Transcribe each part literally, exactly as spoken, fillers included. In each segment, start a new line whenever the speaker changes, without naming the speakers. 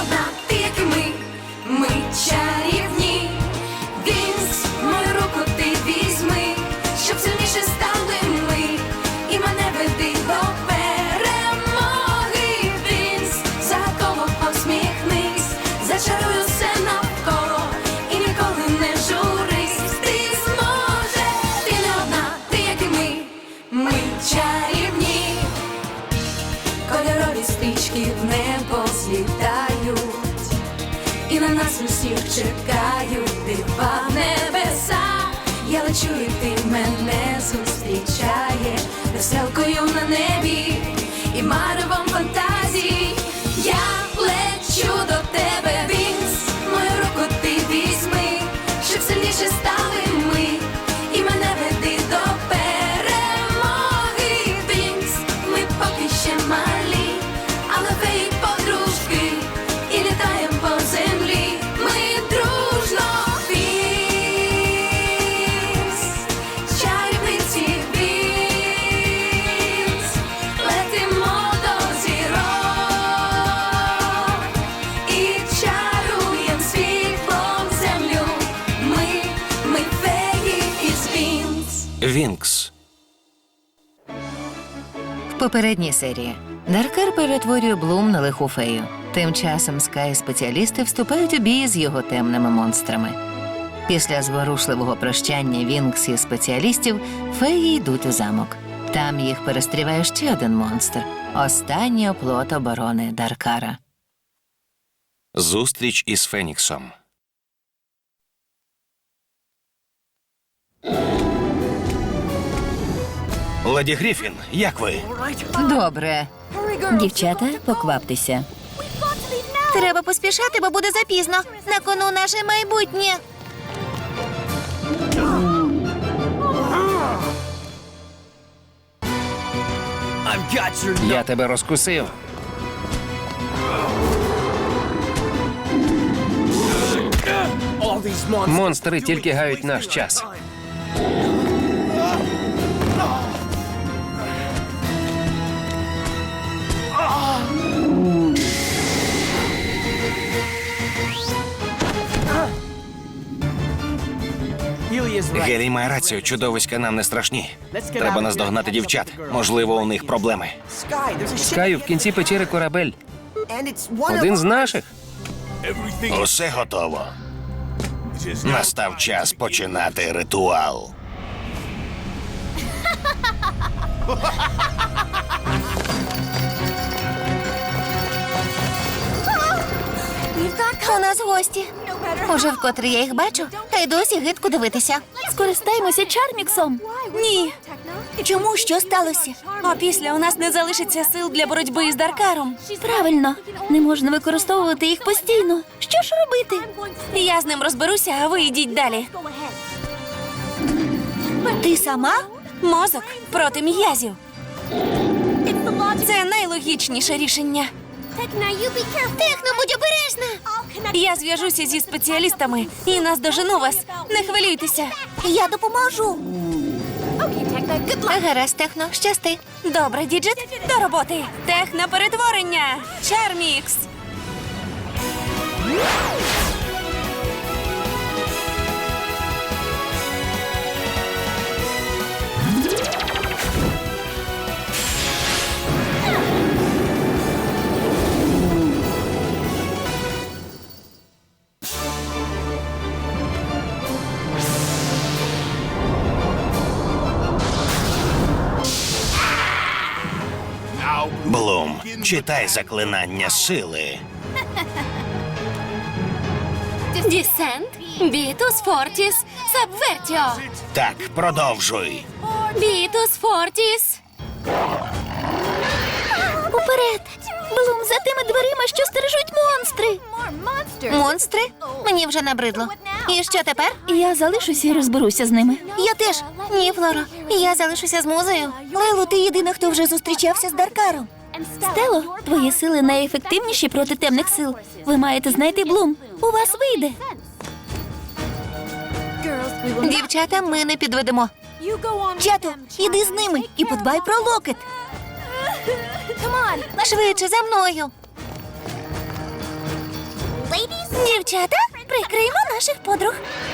одна, ти як і ми, ми чарівні. Вінкс, мою руку ти візьми, щоб сильніше стали ми, і мене веди до перемоги. Вінкс, загадково посміхнись, зачаруй усе навколо і ніколи не журись. Ти зможеш, ти не одна, ти як і ми, ми чарівні. Кольорові стрічки в небо злітають, і на нас усіх чекають дива в небесах. Я лечу, і ти мене зустрічаєш веселкою на небі і маревом фантазій. Я лечу до тебе, Вінкс, мою руку ти візьми, щоб сильніше стали ми, і мене веди до перемоги. Вінкс, ми поки ще малі, але феї подружки, і літаєм по землі. Ми дружно, Вінкс, чарівниці Вінкс, летимо до зірок і чаруєм світлом землю. Ми, ми феї із Вінкс.
Вінкс.
В попередній серії Даркар перетворює Блум на лиху фею. Тим часом Скай-спеціалісти вступають у бій з його темними монстрами. Після зворушливого прощання Вінкс і спеціалістів феї йдуть у замок. Там їх перестріває ще один монстр – останній оплот оборони Даркара.
Зустріч із Феніксом. Леді Гріфін, як ви?
Добре.
Дівчата, покваптеся.
Треба поспішати, бо буде запізно. На кону наше майбутнє.
Я тебе розкусив. Монстри тільки гають наш час. Гелій має рацію, чудовиська нам не страшні. Треба наздогнати дівчат. Можливо, у них проблеми. Скаю, в кінці печери корабель. Один з наших.
Усе готово. Настав час починати ритуал.
У нас гості. Уже вкотре я їх бачу, та й досі гидко дивитися.
Скористаємося Чарміксом.
Ні. Чому? Що сталося? А після у нас не залишиться сил для боротьби із Даркаром.
Правильно, не можна використовувати їх постійно. Що ж робити?
Я з ним розберуся, а ви йдіть далі. Ти сама? Мозок проти м'язів. Це найлогічніше рішення. Техно, будь обережна! Я зв'яжуся зі спеціалістами і наздожену вас. Не хвилюйтеся. Я допоможу. Гаразд, Техно, щасти. Добре, Діджит, до роботи. Техноперетворення. Чармікс.
Блум, читай заклинання сили.
Дісент, бітус, фортіс, сабвертіо.
Так, продовжуй.
Бітус, фортіс.
Уперед! Блум, за тими дверима, що стережуть монстри.
Монстри? Мені вже набридло. І що тепер?
Я залишуся і розберуся з ними.
Я теж. Ні, Флоро. Я залишуся з музею. Лейло, ти єдина, хто вже зустрічався з Даркаром.
Стело, твої сили найефективніші проти темних сил. Ви маєте знайти Блум. У вас вийде.
Дівчата, ми не підведемо. Чато, іди з ними і подбай про локет. Швидше, за мною.
Дівчата, прикриємо наших подруг.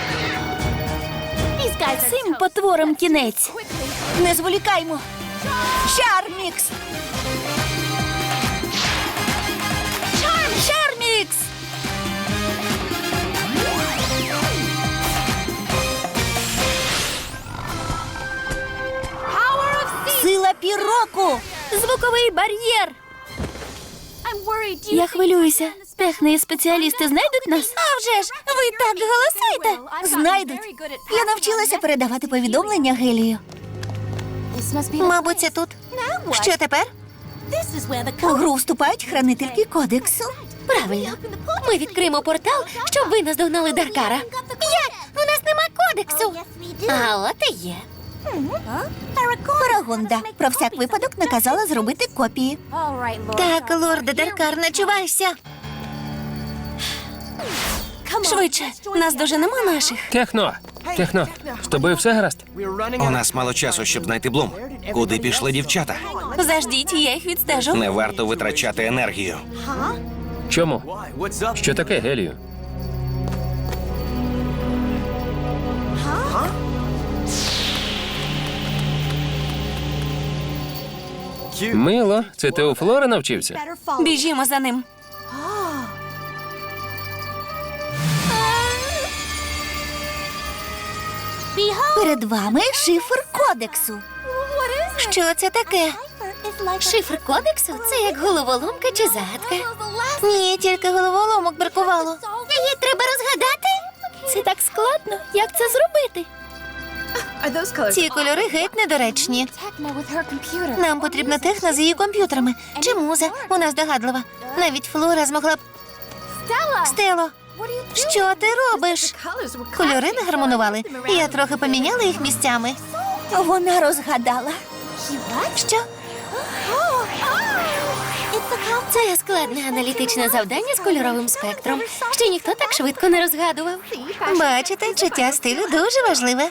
Цим потворам кінець. Не зволікаймо. Чармікс! Чармікс! Сила піроку! Звуковий бар'єр! Я хвилююся. Техни і спеціалісти знайдуть нас? А вже ж! Ви так голосуєте! Знайдуть. Я навчилася передавати повідомлення Гелію. Мабуть, це тут. Що тепер? У гру вступають хранительки кодексу. Правильно. Ми відкриємо портал, щоб ви наздогнали Даркара. Як? У нас нема кодексу. А от і є. Парагонда про всяк випадок наказала зробити копії. Так, лорде Даркар, начувайся. Швидше, нас доженемо наших.
Техно! Техно, з тобою все гаразд? У нас мало часу, щоб знайти Блум. Куди пішли дівчата?
Заждіть, я їх відстежу.
Не варто витрачати енергію. Чому? Що таке, Гелію? Мило, це ти у Флори навчився?
Біжімо за ним. Перед вами шифр кодексу. Що це таке? Шифр кодексу? Це як головоломка чи загадка? Ні, тільки головоломок бракувало. Її треба розгадати? Це так складно. Як це зробити? Ці кольори геть недоречні. Нам потрібна техна з її комп'ютерами. Чи муза? Вона здогадлива. Навіть Флора змогла б... Стело, що ти робиш? Кольори не гармонували. Я трохи поміняла їх місцями. Вона розгадала. Що? Це складне аналітичне завдання з кольоровим спектром. Ще ніхто так швидко не розгадував. Бачите, чуття стилю дуже важливе.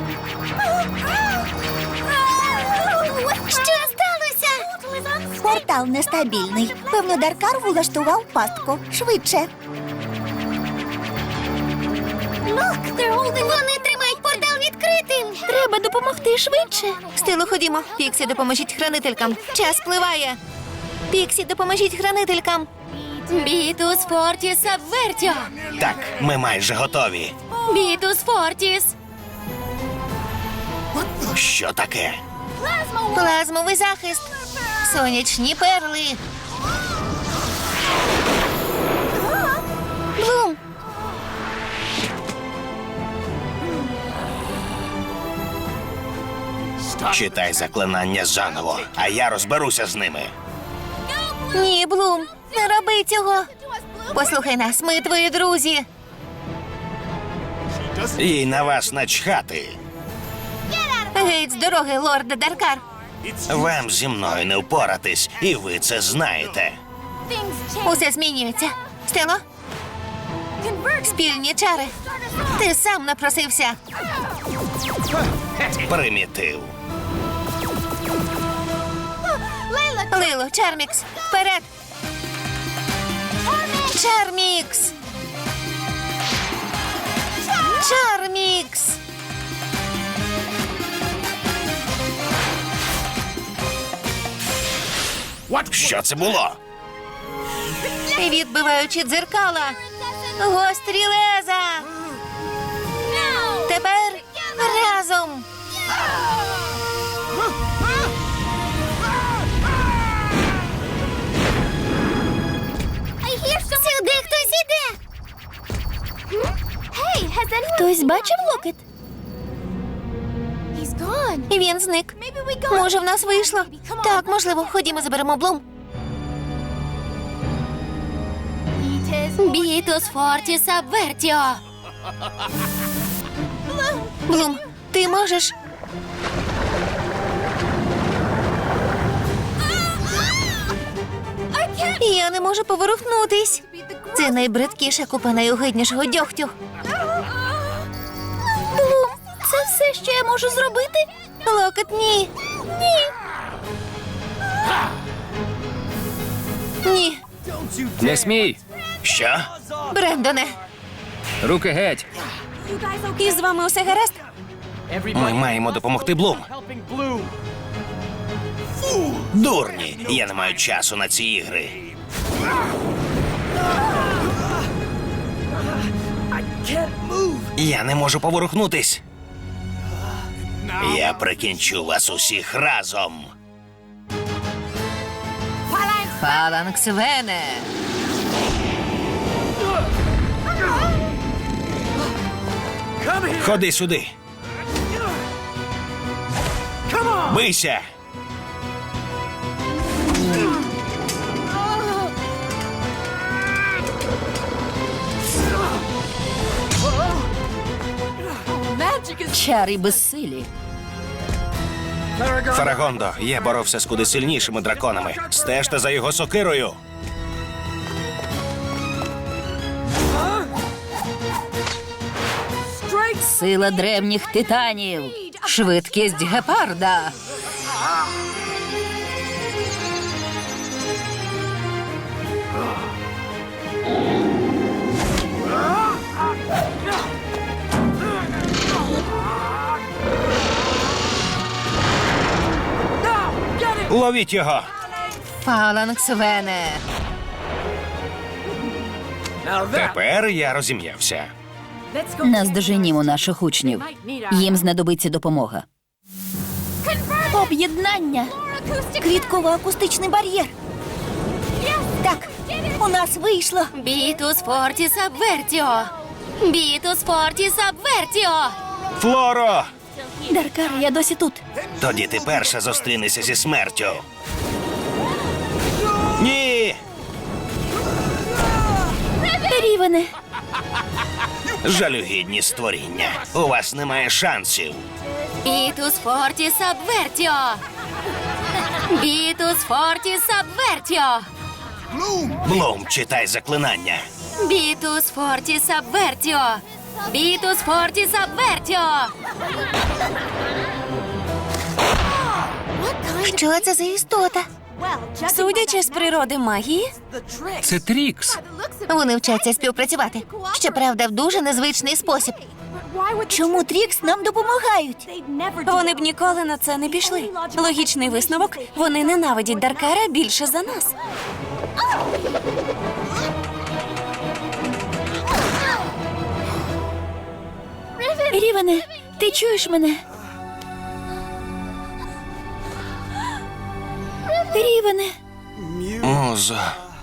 Що сталося? Портал нестабільний. Певно, Даркар влаштував пастку. Швидше. Вони тримають портал відкритим. Треба допомогти швидше. Стилу, ходімо. Піксі, допоможіть хранителькам. Час спливає. Піксі, допоможіть хранителькам. Бітус Фортіс Абвертіо.
Так, ми майже готові.
Бітус Фортіс.
Що таке?
Плазмовий захист. Сонячні перли.
Блум.
Читай заклинання заново, а я розберуся з ними.
Ні, Блум, не роби цього. Послухай нас, ми твої друзі.
Їй на вас начхати.
Геть з дороги, лорде Даркар.
Вам зі мною не впоратись, і ви це знаєте.
Усе змінюється. Стело, спільні чари. Ти сам напросився.
Примітив.
Лило, Чармікс, вперед! Чармікс! Чармікс!
Що це було?
Відбиваючи дзеркала. Гострі леза! Тепер разом! Сюди хтось іде! Хтось бачив локет? Він зник. Може, в нас вийшло? Так, можливо. Ходімо, заберемо Блум.
Бітус Фортіс Абвертіо.
Блум, ти можеш? Я не можу поворухнутись. Це найбридкіша купа найогиднішого дьогтю.
Блум, це все, що я можу зробити?
Локет, ні. Ні. Ні.
Не смій!
Що?
Брендоне,
Руки геть!
і з вами усе гаразд?
Ми маємо допомогти Блум.
Дурні! Я не маю часу на ці ігри.
Я не можу поворухнутись.
Я прикінчу вас усіх разом.
Фаланкс Вене.
Ходи сюди.
Бийся!
Чари безсилі.
Фарагондо, я боровся з куди сильнішими драконами. Стежте за його сокирою.
Сила древніх титанів. Швидкість гепарда.
Ловіть його.
Фаланкс Вене.
Тепер я розім'явся.
Наздоженімо наших учнів. Їм знадобиться допомога.
Об'єднання. Квітково-акустичний бар'єр. Так, у нас вийшло.
Бітус фортіс абвертіо. Бітус фортіс абвертіо.
Флоро!
Даркар, я досі тут.
Тоді ти перша зустрінешся зі смертю.
Ні!
Рівене.
Жалюгідні створіння. У вас немає шансів.
Бітус фортіс абвертіо. Бітус фортіс абвертіо.
Блум, читай заклинання.
Бітус фортіс абвертіо. Бітус фортіс абвертіо.
Що це за істота?
Судячи з природи магії,
Це Трікс.
Вони вчаться співпрацювати. Щоправда, в дуже незвичний спосіб. Чому Трікс нам допомагають?
вони б ніколи на це не пішли. Логічний висновок – вони ненавидять Даркара більше за нас.
Рівене, ти чуєш мене? Рівене.
Музо.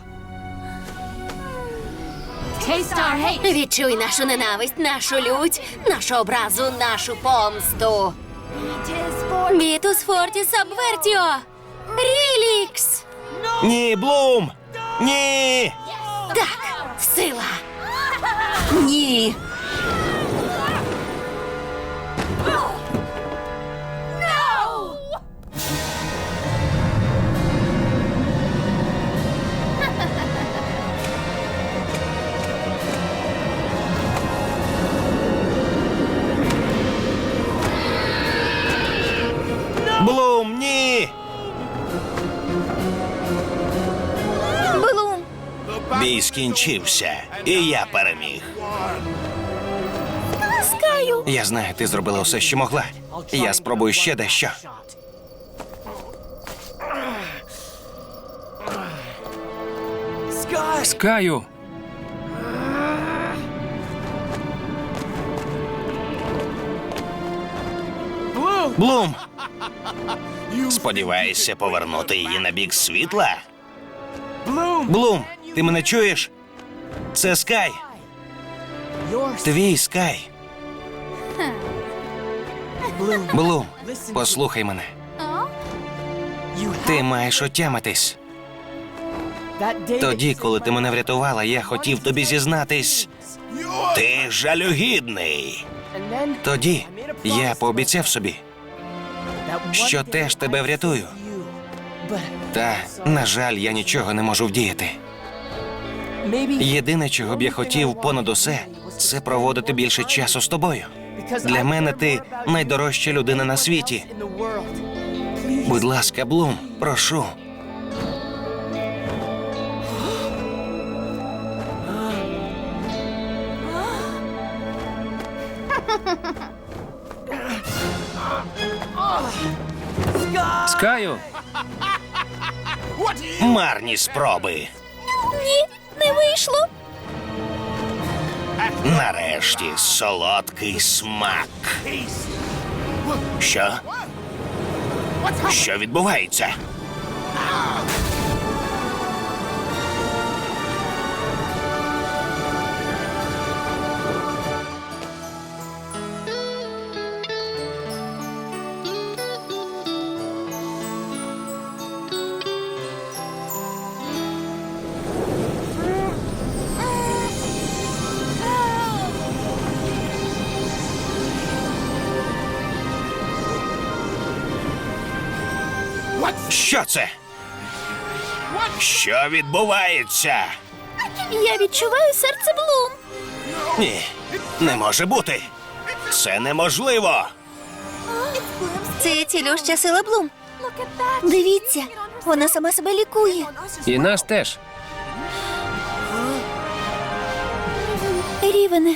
Відчуй нашу ненависть, нашу лють, нашу образу, нашу помсту. Бітус фортіс абвертіо. Рілікс.
Ні, Блум! Ні!
Так, сила.
Ні.
Блум, ні!
Блум.
Бій скінчився, і я переміг.
Скаю.
Я знаю, ти зробила все, що могла. Я спробую ще дещо. Скаю! Блум!
Сподіваєшся повернути її на бік світла?
Блум, ти мене чуєш? Це Скай. Твій Скай. Блум, послухай мене. Ти маєш отямитись. Тоді, коли ти мене врятувала, я хотів тобі зізнатись.
Ти жалюгідний.
Тоді я пообіцяв собі, що теж тебе врятую. Та, на жаль, я нічого не можу вдіяти. Єдине, чого б я хотів понад усе, це проводити більше часу з тобою. Для мене ти найдорожча людина на світі. Будь ласка, Блум, прошу. Скаю,
Марні спроби.
Ні, не вийшло.
Нарешті солодкий смак. Що? Що відбувається? Що це? Що відбувається?
Я відчуваю серце Блум.
Ні, не може бути. Це неможливо.
Це цілюща сила Блум. Дивіться, вона сама себе лікує.
і нас теж.
Рівене.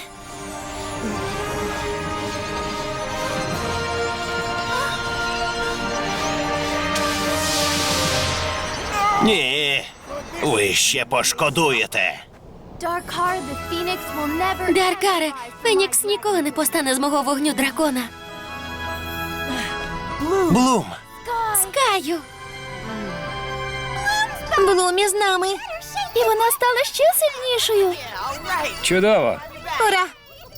Ні, ви ще пошкодуєте.
Даркаре, Фенікс ніколи не постане з мого вогню дракона.
Блум,
Скаю. Блум із нами. І вона стала ще сильнішою.
Чудово.
Ура!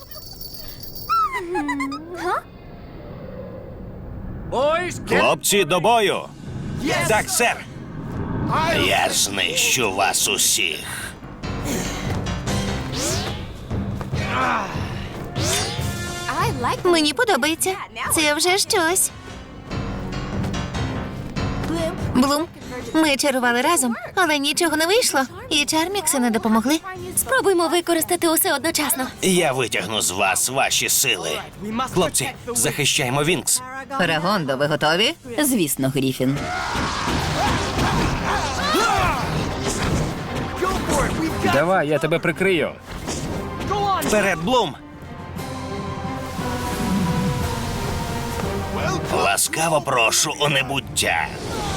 хлопці, до бою. Так, сер. Я знищу вас усіх.
Мені подобається. Це вже щось. Блум, ми чарували разом, але нічого не вийшло. І чармікси не допомогли. Спробуймо використати усе одночасно.
Я витягну з вас ваші сили.
Хлопці, захищаємо Вінкс.
Парагондо, ви готові?
Звісно, Гріфін.
Давай, я тебе прикрию.
Вперед, Блум. Ласкаво прошу у небуття.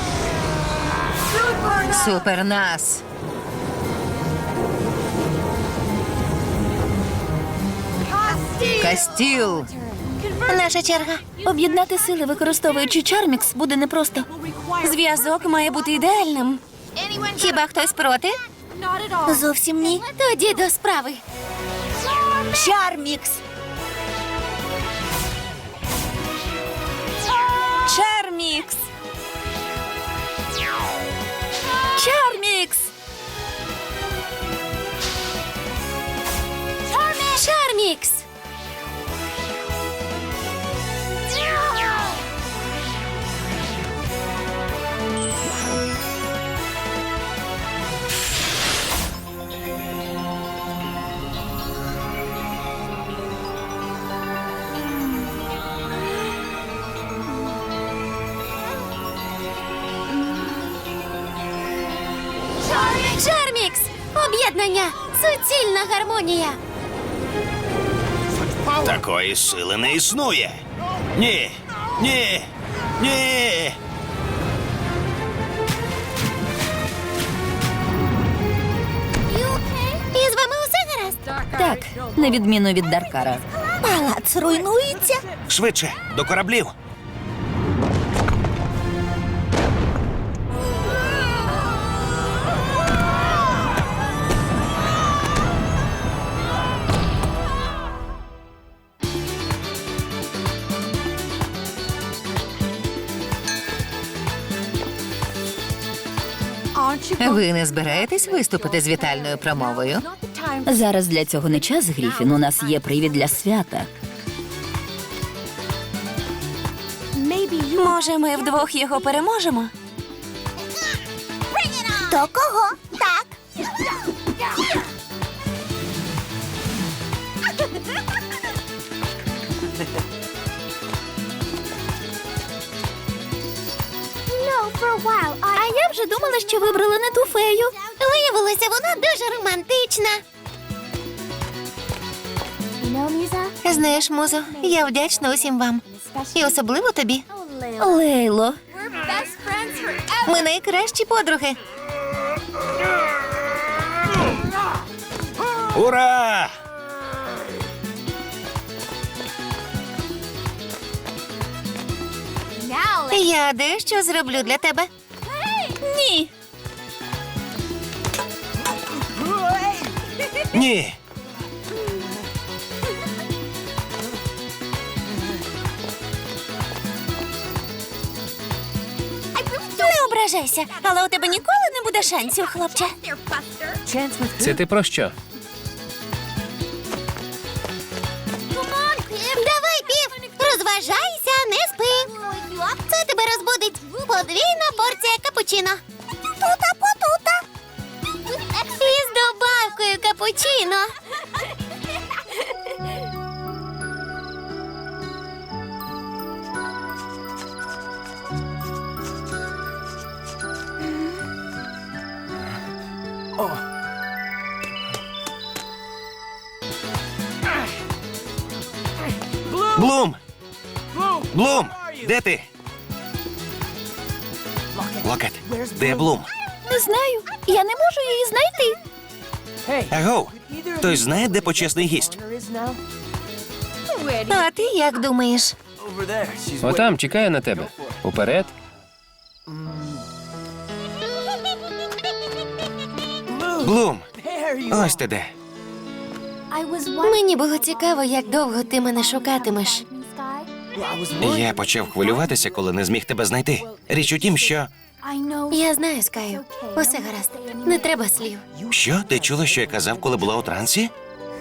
Супер нас. Кастіл.
Наша черга. Об'єднати сили, використовуючи чармікс, буде непросто. Зв'язок має бути ідеальним. Хіба хтось проти? Зовсім ні. Тоді до справи. Чармікс. Чармікс. Чармікс. Чармікс. Чармікс! Об'єднання! Суцільна гармонія!
Такої сили не існує. Ні, ні, ні.
І з вами усе гаразд?
Так, на відміну від Даркара.
Палац руйнується.
Швидше, до кораблів.
Ви не збираєтесь виступити з вітальною промовою?
Зараз для цього не час, Гріфін. У нас є привід для свята.
Може, ми вдвох його переможемо? То кого? Так. А я вже думала, що вибрала не ту фею. Виявилося, вона дуже романтична. Знаєш, Музо, я вдячна усім вам. І особливо тобі.
Лейло,
Ми найкращі подруги.
Ура!
Я дещо зроблю для тебе.
Ні.
Ні!
Не ображайся, але у тебе ніколи не буде шансів, хлопче.
Це ти про що?
Давай, Пів, розважайся, не спи. Це тебе розбудить. Подвійна порція капучино. Тута потута. І з добавкою капучино.
Блум! Блум! Де ти? Локет, де Блум?
Не знаю, я не можу її знайти.
Агов! Хтось знає, де почесний гість?
А ти як думаєш?
Отам чекає на тебе. Уперед.
Блум! Ось ти де.
Мені було цікаво, як довго ти мене шукатимеш.
Я почав хвилюватися, коли не зміг тебе знайти. Річ у тім, що...
Я знаю, Скаю. Усе гаразд. Не треба слів.
Що? Ти чула, що я казав, коли була у трансі?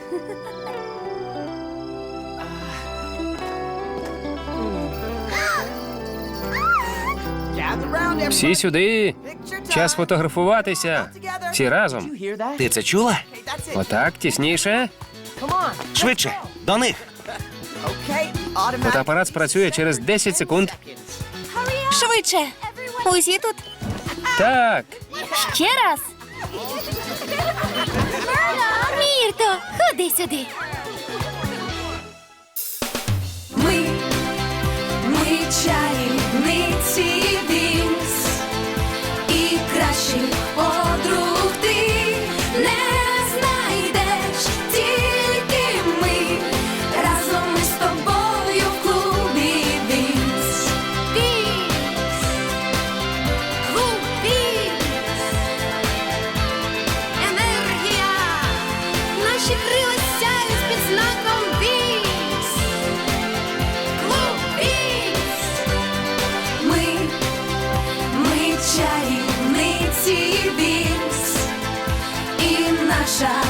Всі сюди. Час фотографуватися. Всі разом.
Ти це чула?
Отак, тісніше.
Швидше, до них!
Фотоапарат спрацює через десять секунд.
Швидше. Усі тут.
Так.
Ще раз. Мірто, ходи сюди.
Ми, ми чарівниці Вінкс, і кращих подруг ти не знайдеш, тільки ми, разом ми з тобою в клубі Вінкс. Вінкс, клуб Вінкс, енергія, наші крила сяють під знаком Вінкс. Клуб Вінкс. Ми, ми чарівниці Вінкс, і наша